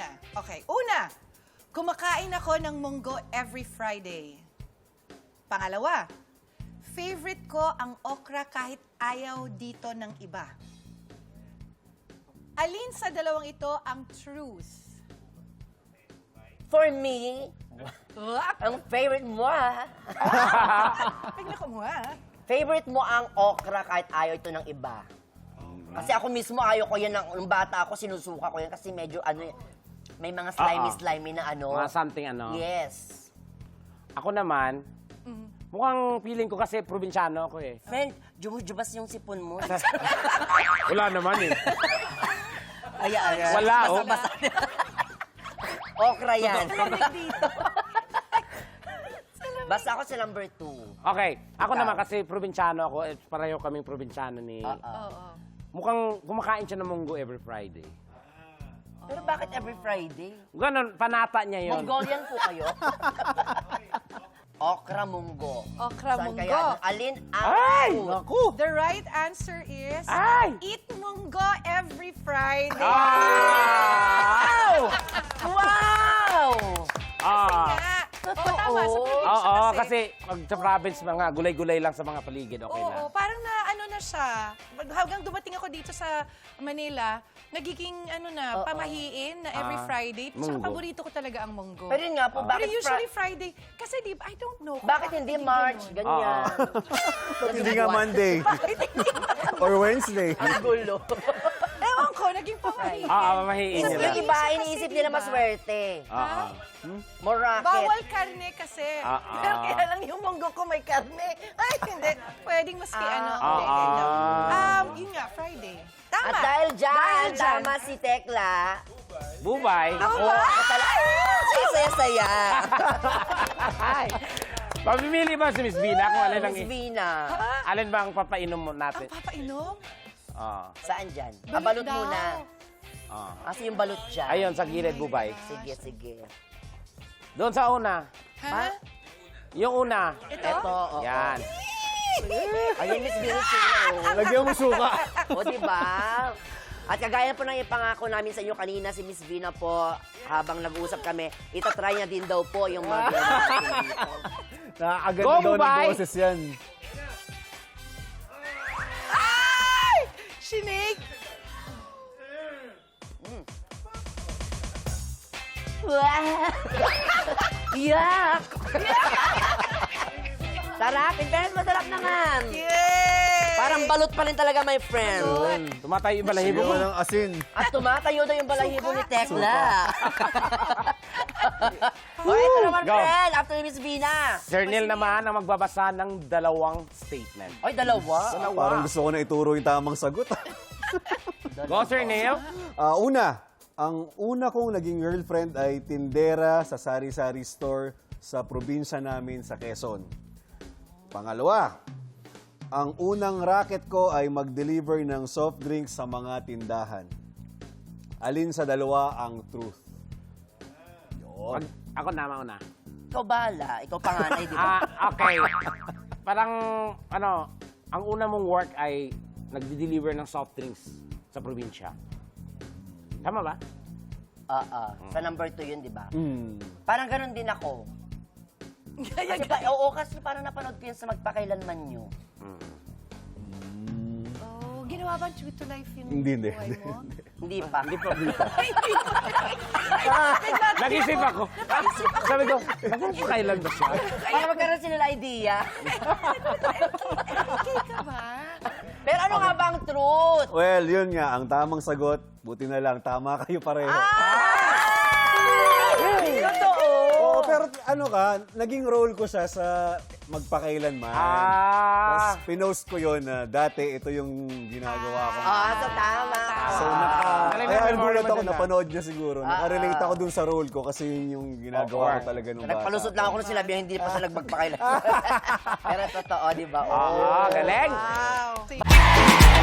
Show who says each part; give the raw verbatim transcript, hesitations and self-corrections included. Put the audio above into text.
Speaker 1: na. Okay, una, kumakain ako ng munggo every Friday. Pangalawa, favorite ko ang okra kahit ayaw dito ng iba. Alin sa dalawang ito ang truth?
Speaker 2: For me,
Speaker 1: Wap!
Speaker 2: ang favorite mo, ah.
Speaker 1: Tignan ko mo, ha?
Speaker 2: Favorite mo ang okra kahit ayaw ito ng iba. Kasi ako mismo ayaw ko yan. Ng, nung bata ako, sinusuka ko yan kasi medyo ano, may mga slimy-slimy na ano.
Speaker 3: Mga something ano.
Speaker 2: Yes.
Speaker 3: Ako naman, mukhang feeling ko kasi probinsyano ako eh.
Speaker 2: Friend, jumujubas yung sipon mo.
Speaker 3: Wala naman eh.
Speaker 2: Ayan, ayan.
Speaker 3: Wala, oh.
Speaker 2: Basa-basa. Okra yan.
Speaker 1: Dito.
Speaker 2: Basta ako sa number two.
Speaker 3: Okay, ako
Speaker 2: Ikaw.
Speaker 3: naman kasi probinsyano ako, eh, pareho kaming probinsyano ni...
Speaker 2: Oo.
Speaker 1: Oo.
Speaker 3: Mukhang kumakain siya ng munggo every Friday.
Speaker 2: Pero bakit every Friday?
Speaker 3: Ganon, panata niya yun.
Speaker 2: Mongolian po kayo? Okra munggo.
Speaker 1: Okra
Speaker 2: Saan
Speaker 1: munggo.
Speaker 2: kaya? Alin ang
Speaker 3: Ay!
Speaker 2: food?
Speaker 3: Naku!
Speaker 1: The right answer is
Speaker 3: Ay!
Speaker 1: eat munggo every Friday.
Speaker 3: Ah!
Speaker 2: Wow!
Speaker 3: Ah!
Speaker 1: Nga. Oo,
Speaker 2: Totoo.
Speaker 1: tama. Sa probinsya
Speaker 3: Oo, kasi pag sa province, mga gulay-gulay lang sa mga paligid, okay
Speaker 1: Oo,
Speaker 3: na.
Speaker 1: parang na ano na siya. Pag- Hanggang dumating ako dito sa Manila, nagiging ano na,
Speaker 2: Oo.
Speaker 1: pamahiin na every
Speaker 3: Ah,
Speaker 1: Friday. Saka
Speaker 3: munggo.
Speaker 1: paborito ko talaga ang munggo.
Speaker 2: Pero yun nga po,
Speaker 1: Pero
Speaker 2: bakit,
Speaker 1: usually
Speaker 2: Fri-
Speaker 1: Friday, kasi di ba, I don't know. kung
Speaker 2: bakit hindi March?
Speaker 1: ganun.
Speaker 2: Ganyan.
Speaker 4: Ba't hindi nga Monday? Or Wednesday?
Speaker 2: Ang gulo.
Speaker 1: Ewan ko, naging pamahiin.
Speaker 3: Ah, mamahiin
Speaker 1: Sa
Speaker 3: nila.
Speaker 2: Yung iba,
Speaker 1: Kasi
Speaker 2: iniisip
Speaker 1: di
Speaker 2: nila
Speaker 1: ba?
Speaker 2: maswerte.
Speaker 3: Oo.
Speaker 2: More racket.
Speaker 1: Bawal karne kasi.
Speaker 3: Ah, ah.
Speaker 1: Pero kaya lang yung munggo ko may karne. Ay, hindi. Pwedeng maski ano.
Speaker 3: Ah,
Speaker 1: hindi, hindi.
Speaker 3: ah.
Speaker 1: Um, yun nga, Friday. Tama.
Speaker 2: At dahil dyan,
Speaker 1: Dahil dyan.
Speaker 2: tama si Tekla.
Speaker 3: Bubay.
Speaker 2: Ako, ako talaga. Ay, saya-saya.
Speaker 3: Ay. Pamimili ba si Miss Vina kung alin ang...
Speaker 2: Miss Vina.
Speaker 3: Alin ba ang papainom mo
Speaker 1: Ang
Speaker 3: natin?
Speaker 1: papainom?
Speaker 3: Ah.
Speaker 2: Saan dyan? Ah,
Speaker 1: Balot
Speaker 2: balot
Speaker 1: daw.
Speaker 2: muna.
Speaker 3: Ah.
Speaker 2: Kasi yung balot dyan.
Speaker 3: Ayun, sa gilid, Bubay.
Speaker 2: Sige, sige.
Speaker 3: Doon sa una.
Speaker 1: Ha?
Speaker 3: Yung una.
Speaker 1: Ito?
Speaker 2: Ito, oo.
Speaker 3: Yan.
Speaker 2: Ayun, Miss Vina sila. oh.
Speaker 4: Lagyan mo suka.
Speaker 2: O, diba? At kagaya po ng ipangako namin sa inyo kanina, si Miss Vina po, habang nag-uusap kami, itatry niya din daw po yung mga ginawa natin dito.
Speaker 4: Nakakaganda
Speaker 3: Go,
Speaker 4: daw ng
Speaker 3: Bubay!
Speaker 4: boses yan.
Speaker 1: Ay! Sinig!
Speaker 2: Yak! Sarap! In fairness, masarap naman.
Speaker 1: Yay!
Speaker 2: Parang balot pa rin talaga, my friend.
Speaker 3: Tumatay yung balahibo
Speaker 4: Sigaw
Speaker 3: mo.
Speaker 4: ng asin.
Speaker 2: At tumatayo na yung balahibo ni Tekla. o,
Speaker 3: Woo!
Speaker 2: ito naman,
Speaker 3: Go.
Speaker 2: friend. After ni Miss Vina.
Speaker 3: Sir Neil naman ang magbabasa ng dalawang statement.
Speaker 2: Oy, dalawa.
Speaker 4: Parang gusto ko na ituro yung tamang sagot.
Speaker 3: Go, Sir Neil.
Speaker 4: Ah, una, ang una kong naging girlfriend ay tindera sa sari-sari store sa probinsya namin sa Quezon. Pangalawa, ang unang racket ko ay mag-deliver ng soft drinks sa mga tindahan. Alin sa dalawa ang truth? Yun.
Speaker 3: Pag- ako na, mauna.
Speaker 2: Ikaw bala. Ikaw panganay, di ba?
Speaker 3: Ah, okay. Parang, ano, ang una mong work ay nagdi-deliver ng soft drinks sa probinsya. Tama ba?
Speaker 2: Oo. Sa number two yun, di ba?
Speaker 4: Hmm.
Speaker 2: Parang ganun din ako. Kasi pa, oo, kasi parang napanood ko yun sa magpakailanman nyo.
Speaker 1: Oh, ginawa ba true to life yung
Speaker 4: Hindi, hindi,
Speaker 1: buhay mo?
Speaker 2: Hindi pa.
Speaker 3: Hindi pa. Nag-isip ako. Sabi ko, magpapakailan ba siya?
Speaker 2: Para magkaroon sila ng idea.
Speaker 1: Okay ka ba?
Speaker 2: Pero ano nga ba ang truth?
Speaker 4: Well, yun nga, ang tamang sagot, buti na lang, tama kayo pareho.
Speaker 2: Totoo.
Speaker 4: Oo, pero ano ka, naging role ko siya sa magpakailanman.
Speaker 3: Ah.
Speaker 4: Tapos pinost ko yun na dati ito yung ginagawa ko.
Speaker 2: Ah, so tama.
Speaker 4: So, naka,
Speaker 3: Galing
Speaker 4: kaya
Speaker 3: na
Speaker 4: nagulat
Speaker 3: memory mo
Speaker 4: ako,
Speaker 3: dun, ah.
Speaker 4: napanood niya siguro. Nakarelate ako dun sa role ko kasi yun yung ginagawa ko
Speaker 3: Oo.
Speaker 4: talaga nung bata.
Speaker 2: Nagpalusot lang ako nung sinabi hindi pa sila magpakailanman. Pero totoo, di ba? Oo.
Speaker 3: Ah, galing.
Speaker 1: Wow.